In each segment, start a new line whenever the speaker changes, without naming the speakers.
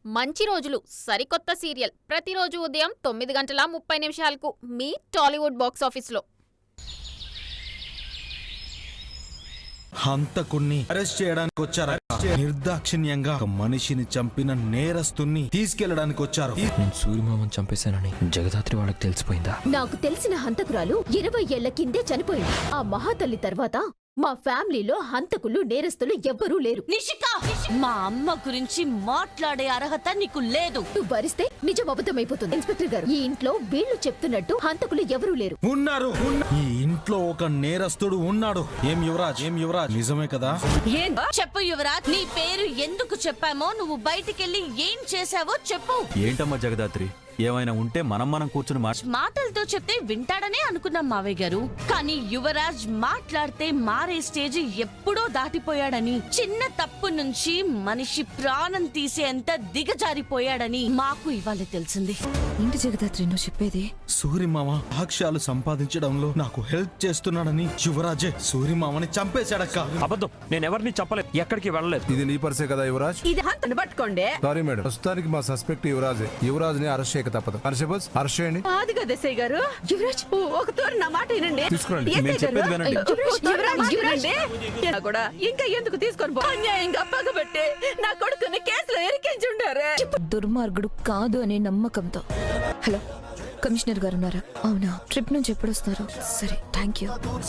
మంచి రోజులు సరికొత్త సీరియల్ ప్రతిరోజు ఉదయం 9:30 మీ టాలీవుడ్ బాక్స్ ఆఫీస్లో.
హంతకుణ్ణి అరెస్ట్ చేయడానికి వచ్చారా? నిర్దాక్షిణ్యంగా ఒక మనిషిని చంపిన నేరస్తుని తీసుకెళ్లడానికి వచ్చారు.
నేను సూర్యమామని చంపేశానని జగదాత్రి వాళ్ళకి తెలిసిపోయిందా?
నాకు తెలిసిన హంతకురాలు 20 ఏళ్ల కిందే చనిపోయింది. ఆ మహాతల్లి తర్వాత మా ఫ్యామిలీలో హంతకులు నేరస్తులు ఎవ్వరూ లేరు.
నిషిక, మా అమ్మ గురించి మాట్లాడే అర్హత నీకు లేదు.
నువ్వు భరిస్తే నిజం అబద్ధమైపోతుంది. ఇన్స్పెక్టర్ గారు, ఈ ఇంట్లో వీళ్ళు చెప్తున్నట్టు హంతకులు ఎవరూ లేరు.
ఉన్నారు. ఈ ఇంట్లో ఒక నేరస్తుడు ఉన్నాడు. ఏం యువరాజ్ నిజమే కదా?
చెప్పు యువరాజ్, నీ పేరు ఎందుకు చెప్పామో, నువ్వు బయటికెళ్ళి ఏం చేశావో చెప్పు.
ఏంటమ్మా జగదాత్రి, ఏమైనా ఉంటే మనం కూర్చుని
మాటలతో చెప్తే వింటాడనే అనుకున్నాం మావయ్య గారు. కానీ యువరాజ్ మాట్లాడితే మారే స్టేజ్ ఎప్పుడో దాటిపోయాడని, చిన్న తప్పు నుంచి మనిషి ప్రాణం తీసేంత దిగజారిపోయాడని మాకు ఇవాళ తెలిసింది.
ఏంటి జగదాత్రి నువ్వు చెప్పేది?
సూర్యమామ సాక్ష్యాలు సంపాదించడంలో నాకు హెల్ప్ చేస్తున్నాడని యువరాజే సూర్యమామని చంపేశాడక్క.
అబద్ధం, నేను ఎవరిని చెప్పలేదు, ఎక్కడికి వెళ్ళలేదు.
ఇది నీ పర్సే కదా యువరాజ్?
ఇది హంతను పట్టుకోండి.
సారీ మేడం, ప్రస్తుతానికి మా సస్పెక్ట్ యువరాజే. యువరాజ్ ని అరెస్ట్ చేయక తప్పదు. కానిస్టేబుల్స్ అరెస్ట్ చేయండి.
అది కదా ఎస్ఐ గారు. యువరాజ్ ఒక తోరు నా మాట వినండి.
తీసుకురండి.
మేము చెప్పేది వినండి.
కూడా ఇంకా ఎందుకు తీసుకొని అన్యాయంగా పగబట్టే నా కొడుకుని కేసులో ఇరికించుండారే.
దుర్మార్గుడు కాదు అనే నమ్మకంతో. హలో, కమిషనర్ గారు ఉన్నారా? అవునా, ట్రిప్ నుంచి ఎప్పుడు వస్తారు? సరే, థ్యాంక్ యూ.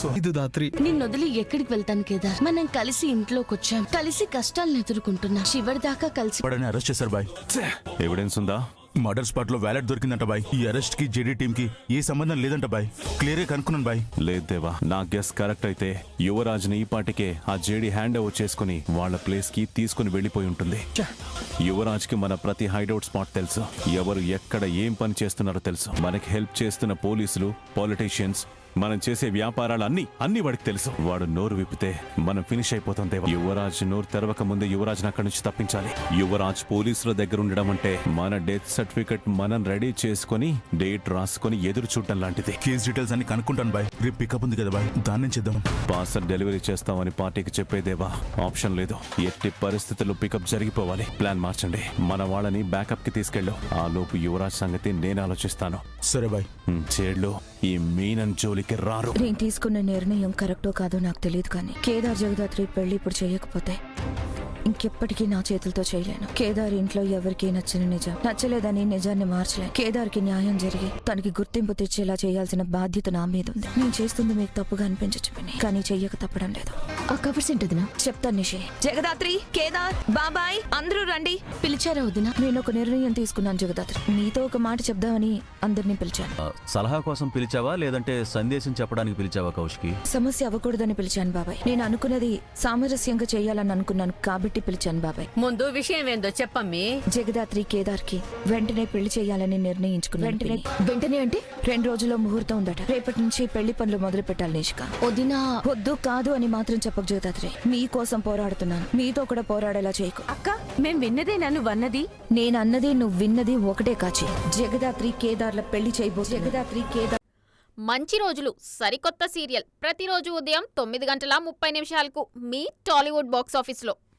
నిన్ను వదిలి ఎక్కడికి వెళ్తాను కేదార్? మనం కలిసి ఇంట్లోకి వచ్చాం, కలిసి కష్టాలను ఎదుర్కొంటున్నాం, చివరిదాకా కలిసి.
అరెస్ట్ చేశారు బాయ్. ఎవిడెన్స్ ఉందా? మర్డర్ స్పాట్ లో వ్యాలెట్ దొరికిందంట బాయ్. ఈ అరెస్ట్ కి జేడీ టీమ్ కి ఏ సంబంధం లేదంట బాయ్. క్లియర్ గా కనుక్కున్నాను బాయ్. లేదు దేవా, నా గెస్ కరెక్ట్ అయితే యువరాజ్ ని ఈ పాటికే ఆ జేడీ హ్యాండ్ ఓవర్ చేసుకుని వాళ్ళ ప్లేస్ కి తీసుకుని వెళ్లిపోయి ఉంటుంది. యువరాజ్ కి మన ప్రతి హైడౌట్ స్పాట్ తెలుసు, ఎవరు ఎక్కడ ఏం పని చేస్తున్నారో తెలుసు. మనకి హెల్ప్ చేస్తున్న పోలీసులు, పాలిటీషియన్స్, మనం చేసే వ్యాపారాలు అన్ని వాడికి తెలుసు. వాడు నోరు విప్పితే మనం ఫినిష్ అయిపోతాం దేవా. యువరాజ్ నోరు తెరవక ముందే యువరాజ్ అక్కడి నుంచి తప్పించాలి. యువరాజ్ పోలీసుల దగ్గర ఉండడం అంటే మన డెత్ సర్టిఫికెట్ మనం రెడీ చేసుకుని డేట్ రాసుకుని ఎదురు చూడటం లాంటిది. కేస్ డీటెయిల్స్ అన్ని కనుక్కుంటాను బాయ్. రేపు పికప్ ఉంది కదా బాయ్, దాన్ని చేద్దాం. పార్సల్ డెలివరీ చేస్తామని పార్టీకి చెప్పేదేవా, ఆప్షన్ లేదు. ఎట్టి పరిస్థితుల్లో పికప్ జరిగిపోవాలి. ప్లాన్ మార్చండి. మన వాళ్ళని బ్యాకప్ కి తీసుకెళ్ళు. ఆ లోపు యువరాజ్ సంగతి నేను ఆలోచిస్తాను. సరే బాయ్. చేడ్లు ఈ మీనన్ జోలికి రారు.
నేను తీసుకున్న నిర్ణయం కరెక్టో కాదో నాకు తెలియదు, కానీ కేదార్ జగదాత్రి పెళ్లి ఇప్పుడు చేయకపోతే ఇంకెప్పటికీ నా చేతులతో చేయలేను. కేదార్ ఇంట్లో ఎవరికీ నచ్చలేదని నిజాన్ని మార్చలేను. కేదార్ కి న్యాయం జరిగి తనకి గుర్తింపు తెచ్చేలా చేయాల్సిన బాధ్యత నా మీద ఉంది. నేను చేస్తుంది మీకు తప్పుగా అనిపించచ్చు, కానీ చెయ్యక తప్పడం లేదు.
ఆ కవర్స్ ఏంటదినా?
చెప్తాను నిషి. జగదాత్రి, కేదార్, బాబాయ్ అందరూ రండి.
పిలిచారా వదినా?
నేను ఒక నిర్ణయం తీసుకున్నాను జగదాత్రి. నీతో ఒక మాట చెప్దామని అందరినీ పిలిచాను.
సలహా కోసం పిలిచావా లేదంటే సందేశం చెప్పడానికి పిలిచావా కౌశికి?
సమస్య అవ్వకూడదని పిలిచాను బాబాయ్. నేను అనుకున్నది సామరస్యంగా చేయాలని అనుకున్నాను కాబట్టి పిలిచాను బాబాయ్.
ముందు విషయం ఏందో చెప్పమ్మీ.
జగదాత్రి కేదార్ కి వెంటనే పెళ్లి చేయాలని నిర్ణయించుకున్నాను.
వెంటనే అంటే
2 రోజుల్లో ముహూర్తం ఉందట. రేపటి నుంచి పెళ్లి పనులు మొదలు పెట్టాలి నిష్క.
వదినా,
వద్దు కాదు అని మాత్రం చెప్పక జగదాత్రి. మీకోసం పోరాడుతున్నాను, మీతో కూడా పోరాడేలా చేయకు.
అక్క, మేం విన్నదే నన్ను వన్నది.
నేను అన్నది నువ్వు విన్నది ఒకటే కాచి. జగదాత్రి కేదార్ల పెళ్లి చేయబో. జగదాత్రి కేదార్.
మంచి రోజులు సరికొత్త సీరియల్ ప్రతిరోజు ఉదయం 9:30 మీ టాలీవుడ్ బాక్స్ ఆఫీస్లో.